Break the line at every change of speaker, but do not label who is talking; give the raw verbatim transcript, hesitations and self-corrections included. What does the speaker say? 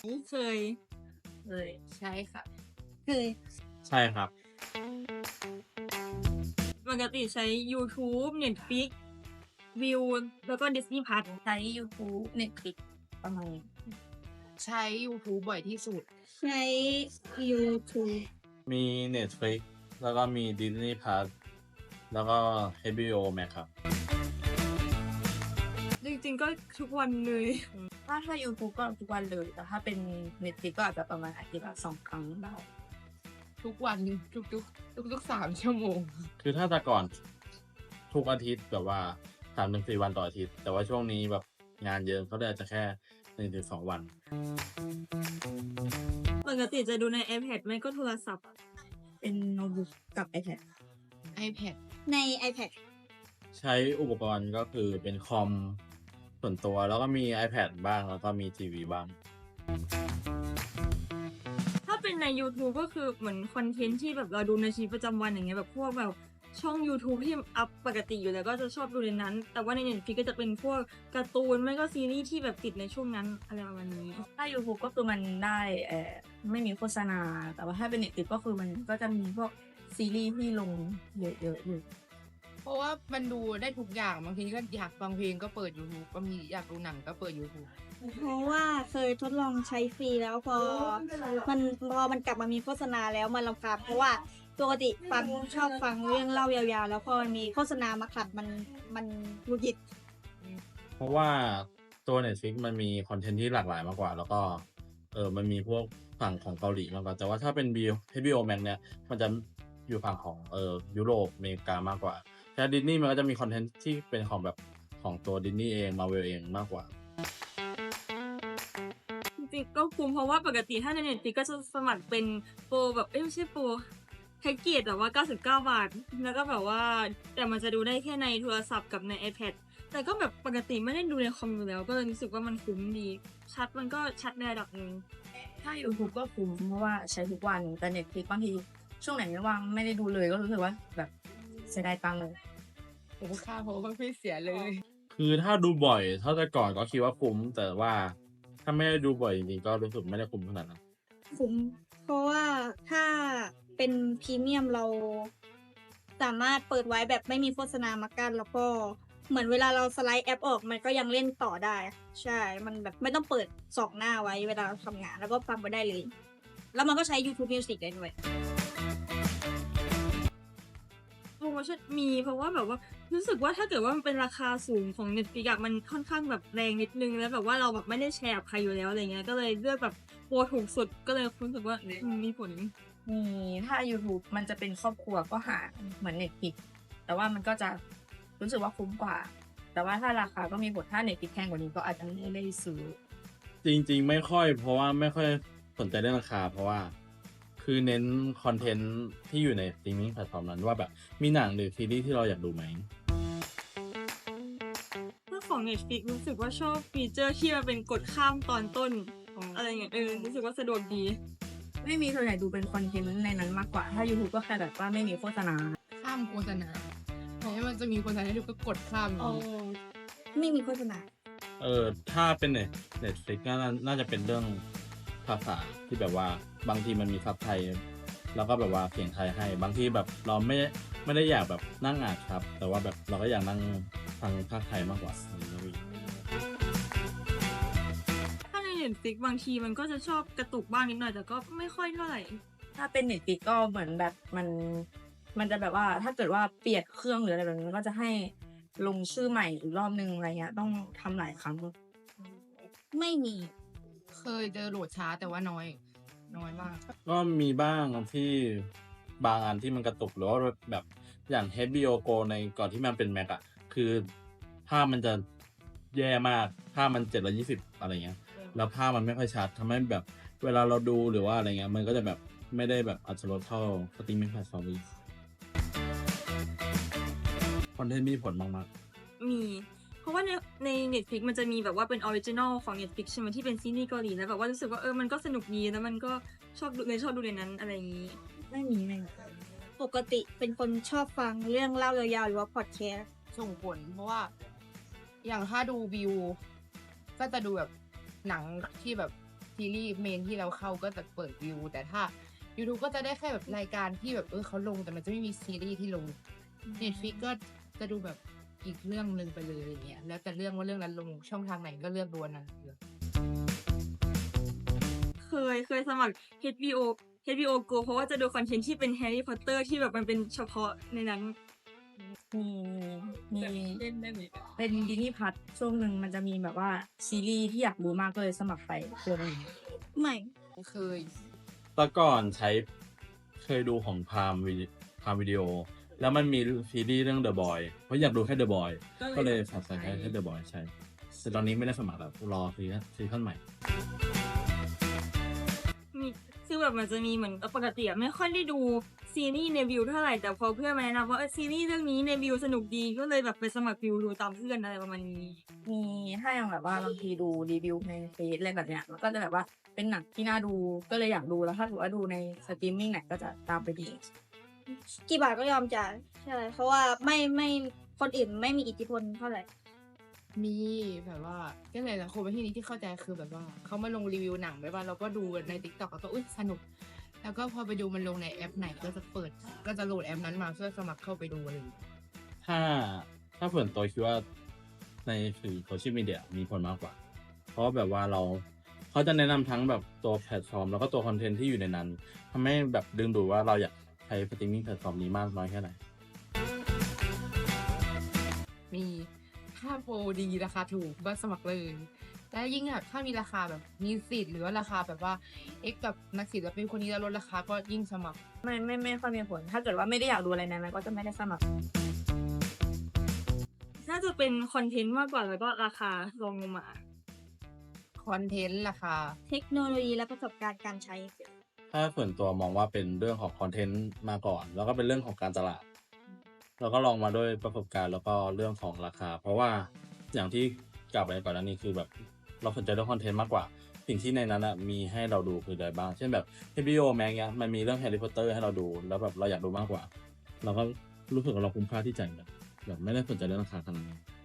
เคย
เคยใช่ค่ะ
เคย
ใช่ครับ
ปกติใช้ YouTube Netflix วิวแล้วก็ Disney Plus
ใช้ YouTube Netflix ประมาณนี้ใช้ YouTube บ่อยที่สุด
ใช้ YouTube
มี Netflix แล้วก็มี Disney Plus แล้วก็ เอช บี โอ Max ครับ
จริงๆก็ทุกวันเลย
ถ้าถ้า YouTube ก็ทุกวันเลยแต่ถ้าเป็น Netflix ก็อาจจะประมาณอาทิตย์ละสองครั้งได้ทุกวันทุกๆทุกๆสามชั่วโมง
คือถ้าแต่ก่อนทุกอาทิตย์แบบว่าสามถึงสี่วันต่ออาทิตย์แต่ว่าช่วงนี้แบบงานเยอะก็เลยอาจจะแค่หนึ่งถึงสองวัน
ปกติจะดูใน iPad ไม่ก็โทรศัพท์
เป็นโน้ตบุ๊กกับ iPad iPad
ใน iPad
ใช้อุปกรณ์ก็คือเป็นคอมส่วนตัวแล้วก็มี iPad บ้างแล้วก็มีทีวีบ้าง
ถ้าเป็นใน YouTube ก็คือเหมือนคอนเทนต์ที่แบบเราดูในชีวิตประจำวันอย่างเงี้ยแบบพวกแบบช่อง YouTube ที่อัพปกติอยู่แล้วก็จะชอบดูในนั้นแต่ว่าใน Netflix ก็จะเป็นพวกการ์ตูนไม่ก็ซีรีส์ที่แบบติดในช่วงนั้นอะไรประมาณนี้
ถ้า YouTube ก็คือมันได้เอ่อไม่มีโฆษณาแต่ว่าถ้าเป็น Netflix ก็คือมันก็จะมีพวกซีรีส์ที่ลงเยอะๆอยู่เพราะว่ามันดูได้ทุกอย่างบางทีก็อยากฟังเพลงก็เปิด YouTube บางทีอยากดูหนังก็เปิด YouTube
เพราะว่าเคยทดลองใช้ฟรีแล้วพอมันพอมันกลับมามีโฆษณาแล้วมันรำคาญเพราะว่าปกติฟังชอบฟังเรื่องเล่ายาวๆแล้วพอมันมีโฆษณามาขัดมันมันหงุดหงิด
เพราะว่าตัว Netflix มันมีคอนเทนต์ที่หลากหลายมากกว่าแล้วก็เออมันมีพวกฝั่งของเกาหลีมากกว่าแต่ว่าถ้าเป็น เอช บี โอ Max เนี่ยมันจะอยู่ฝั่งของเออยุโรปอเมริกามากกว่าแต่ดิสนีย์มันก็จะมีคอนเทนต์ที่เป็นของแบบของตัวดิสนีย์เองมาเวลเองมากกว่า
จริงๆก็คุ้มเพราะว่าปกติถ้าใน Netflix ก็จะสมัครเป็นโปรแบบเอ้ยไม่ใช่โปรแพ็กเกจแบบว่าเก้าสิบเก้าบาทแล้วก็แบบว่าแต่มันจะดูได้แค่ในโทรศัพท์กับใน iPad แต่ก็แบบปกติไม่ได้ดูในคอมอยู่แล้วก็เลยรู้สึกว่ามันคุ้มดีชัดมันก็ชัดในระดับนึง
ถ้า YouTube ก็คุ้มเพราะว่าใช้ทุกวันแต่ Netflix บางทีช่วงไหนไม่ว่างไม่ได้ดูเลยก็รู้สึกว่าแบบเสียดายตังค์เลยโอ้ค่าเพราะว่าไม่เสียเลย
คือถ้าดูบ่อยเท่าแต่ก่อนก็คิดว่าคุ้มแต่ว่าถ้าไม่ได้ดูบ่อยจริงๆก็รู้สึกไม่ได้คุ้มขนาดนั้น
คุ้มเพราะว่าถ้าเป็นพรีเมียมเราสามารถเปิดไว้แบบไม่มีโฆษณามากั้นแล้วก็เหมือนเวลาเราสไลด์แอปออกมันก็ยังเล่นต่อได้ใช่มันแบบไม่ต้องเปิดสองหน้าไว้เวลาเราทำงานแล้วก็ฟังไปได้เลยแล้วมันก็ใช้ YouTube Music ได้ด้วย
โปรโมชั่นมีเพราะว่าแบบว่ารู้สึกว่าถ้าเกิดว่ามันเป็นราคาสูงของ Netflix อะมันค่อนข้างแบบแรงนิดนึงแล้วแบบว่าเราแบบไม่ได้แชร์กับใครอยู่แล้วอะไรเงี้ยก็เลยเลือกแบบโปรถูกสุดก็เลยรู้สึกว่าอืมมีผล
มีถ้า YouTube มันจะเป็นครอบครัวก็หาเหมือน Netflix แต่ว่ามันก็จะรู้สึกว่าคุ้มกว่าแต่ว่าถ้าราคาก็มีผลถ้า Netflix แพงกว่านี้ก็อาจจะไม่ได้ซื้อ
จริงๆไม่ค่อยเพราะว่าไม่ค่อยสนใจเรื่องราคาเพราะว่าคือเน้นคอนเทนต์ที่อยู่ในสตรีมมิ่งแพลตฟอร์มนั้นว่าแบบมีหนังหรือซีรีส์ที่เราอยากดูไหม
ถ้าของ Netflix รู้สึกว่าชอบฟีเจอร์ที่มันเป็นกดข้ามตอนต้นอะไรเงี้ยเออรู้สึกว่าสะดวกดี
ไม่มีส่วนใหญ่ดูเป็นคอนเทนต์ในนั้นมากกว่าถ้า YouTube ก็แค่แบบว่าไม่มีโฆษณาข้ามโฆษณาแต่ถ้ามันจะมีโฆษณาให้ดูก็กดข้าม
อ๋อไม่มีโฆษณา
เออถ้าเป็นเน็ตเน็ตฟลิกก็น่าจะเป็นเรื่องภาษาที่แบบว่าบางทีมันมีซับไทยแล้วก็แบบว่าเสียงไทยให้บางทีแบบเราไม่ไม่ได้อยากแบบนั่งอ่านครับแต่ว่าแบบเราก็อยากนั่งฟังภาคไทยมากกว่า
ถ้าใน Netflix บางทีมันก็จะชอบกระตุกบ้างนิดหน่อยแต่ก็ไม่ค่อยเท่าไหร่
ถ้าเป็น Netflix ก็เหมือนแบบมันมันจะแบบว่าถ้าเกิดว่าเปลี่ยนเครื่องหรืออะไรแบบนี้ก็จะให้ลงชื่อใหม่อีกรอบนึงอะไรเงี้ยต้องทำหลายครั้ง
ไม่มี
เคยเจอโหลดช้าแต่ว่าน้อยน้อยมาก
ก็มีบ้างที่บางอันที่มันกระตุกหรือว่าแบบอย่าง เอช บี โอ Go ในก่อนที่มันเป็น Mac อ่ะคือภาพมันจะแย่มากภาพมันเจ็ดร้อยยี่สิบอะไรเงี้ยแล้วภาพมันไม่ค่อยชัดทำให้แบบเวลาเราดูหรือว่าอะไรเงี้ยมันก็จะแบบไม่ได้แบบอัตรสเท่าสตรีมมิ่งแพลตฟอร์มอื่นคอนเทนต์มีผลมาก
ๆมีเพราะว่าในใน Netflix มันจะมีแบบว่าเป็นออริจินอลของ Netflix ใช่ไหมที่เป็นซีรีส์เกาหลีแล้วแบบว่ารู้สึกว่าเออมันก็สนุกดีแล้วมันก็ชอบดูเลยชอบดูในนั้นอะไรอย่างนี้
ไม่มีไม่
ปกติเป็นคนชอบฟังเรื่องเล่ายาวๆหรือว่าพอดแคสต์
ส่งผลเพราะว่าอย่างถ้าดูวิวก็จะดูแบบหนังที่แบบซีรีส์เมนที่เราเข้าก็จะเปิดวิว แต่ถ้า YouTube ก็จะได้แค่แบบรายการที่แบบเออเขาลงแต่มันจะไม่มีซีรีส์ที่ลง Netflix ก็จะดูแบบอีกเรื่องหนึ่งไปเลยอย่างเงี้ยแล้วแต่เรื่องว่าเรื่องนั้นลงช่องทางไหนก็เลือกดูอันนั้นเลย
เคยเคยสมัคร เอช บี โอ เอช บี โอ Go เพราะว่าจะดูคอนเทนต์ที่เป็นแฮร์รี่พอตเตอร์ที่แบบมันเป็นเฉพาะในนั้น
มีมี
เล่นได้ไหม
เป็นดิสนีย์พัทช่วงหนึ่งมันจะมีแบบว่าซีรีส์ที่อยากดูมากก็เลยสมัครไปตัวนึง
ไม่
เคย
แต่ก่อนใช้เคยดูของพามวิพามวิดีโอ แล้วมันมีซีรีส์เรื่อง The Boy เพราะอยากดูแค่ The Boy ก็เลยสับสนแค่ The Boy ใช่แต่ตอนนี้ไม่ได้สมัครแล้วรอซีซั่นซีซั่นใหม่
มีคือแบบมันจะมีเหมือนปกติอะไม่ค่อยได้ดูซีรีส์ในวิวเท่าไหร่แต่พอเพื่อนมาแนะนำว่าเออซีรีส์เรื่องนี้ในวิวสนุกดีก็เลยแบบไปสมัครวิวดูตามเพื่อนอะไรประมาณนี้
มีถ้าอย่างแบบว่าบางทีดูรีวิวในเฟซอะไรแบบเนี้ยมันก็จะแบบว่าเป็นหนังที่น่าดูก็เลยอยากดูแล้วถ้าถือว่าดูในสตรีมมิ่งไหนก็จะตามไปดู
กี่บาทก็ยอมจ่ายใช่ เพราะว่าไม่ไม่คนอื่นไม่มีอิทธิพลเท่าไหร่
มีแบบว่าก็เลยละคนไปที่นี้ที่เข้าใจคือแบบว่าเขามาลงรีวิวหนังไปว่าเราก็ดูใน TikTok แล้วก็อุ้ยสนุก แล้วก็พอไปดูมันลงในแอปไหนก็จะเปิด ก็จะโหลดแอปนั้นมาเพื่อสมัครเข้าไปดูอะไรอย่างเงี้ย
ถ้าถ้าส่วนตัวคิดว่าในสื่อโซเชียลมีเดียมีผลมากกว่า เพราะแบบว่าเราเขาจะแนะนำทั้งแบบตัวแพลตฟอร์ม แล้วก็ตัวคอนเทนต์ที่อยู่ในนั้นทำให้แบบดึงดูดว่าเราอยากใช้สตรีมมิ่งแพลตฟอร์มนี้มากน้อยแค่ไหน
มีถ้าโปรดีราคาถูกก็สมัครเลย และยิ่งแบบถ้ามีราคาแบบมีสิทธิ์หรือว่าราคาแบบว่าเอ็กกับนักศิลปินคนนี้แล้วลดราคาก็ยิ่งสมัคร ไม่ไม่ไม่ค่อยมีผล ถ้าเกิดว่าไม่ได้อยากดูอะไรนั้นก็จะไม่ได้สมัคร
น่าจะเป็นคอนเทนต์มากกว่าแล้วก็ราคาลงลงมา
คอนเทนต์ราคา
เทคโนโลยีและประสบการณ์การใช้
ถ้าส่วนตัวมองว่าเป็นเรื่องของคอนเทนต์มาก่อน แล้วก็เป็นเรื่องของการตลาด แล้วก็ลองมาด้วยประสบการณ์แล้วก็เรื่องของราคา เพราะว่าอย่างที่กล่าวไปก่อนหน้านี้คือแบบเราสนใจเรื่องคอนเทนต์มากกว่า สิ่งที่ในนั้นอะมีให้เราดูคืออะไรบ้าง เช่นแบบ เอช บี โอ Max เนี้ยมันมีเรื่องแฮร์รี่พอตเตอร์ให้เราดู แล้วแบบเราอยากดูมากกว่า เราก็รู้สึกว่าเราคุ้มค่าที่จ่ายแบบแบบไม่ได้สนใจเรื่องราคาขนาดนั้น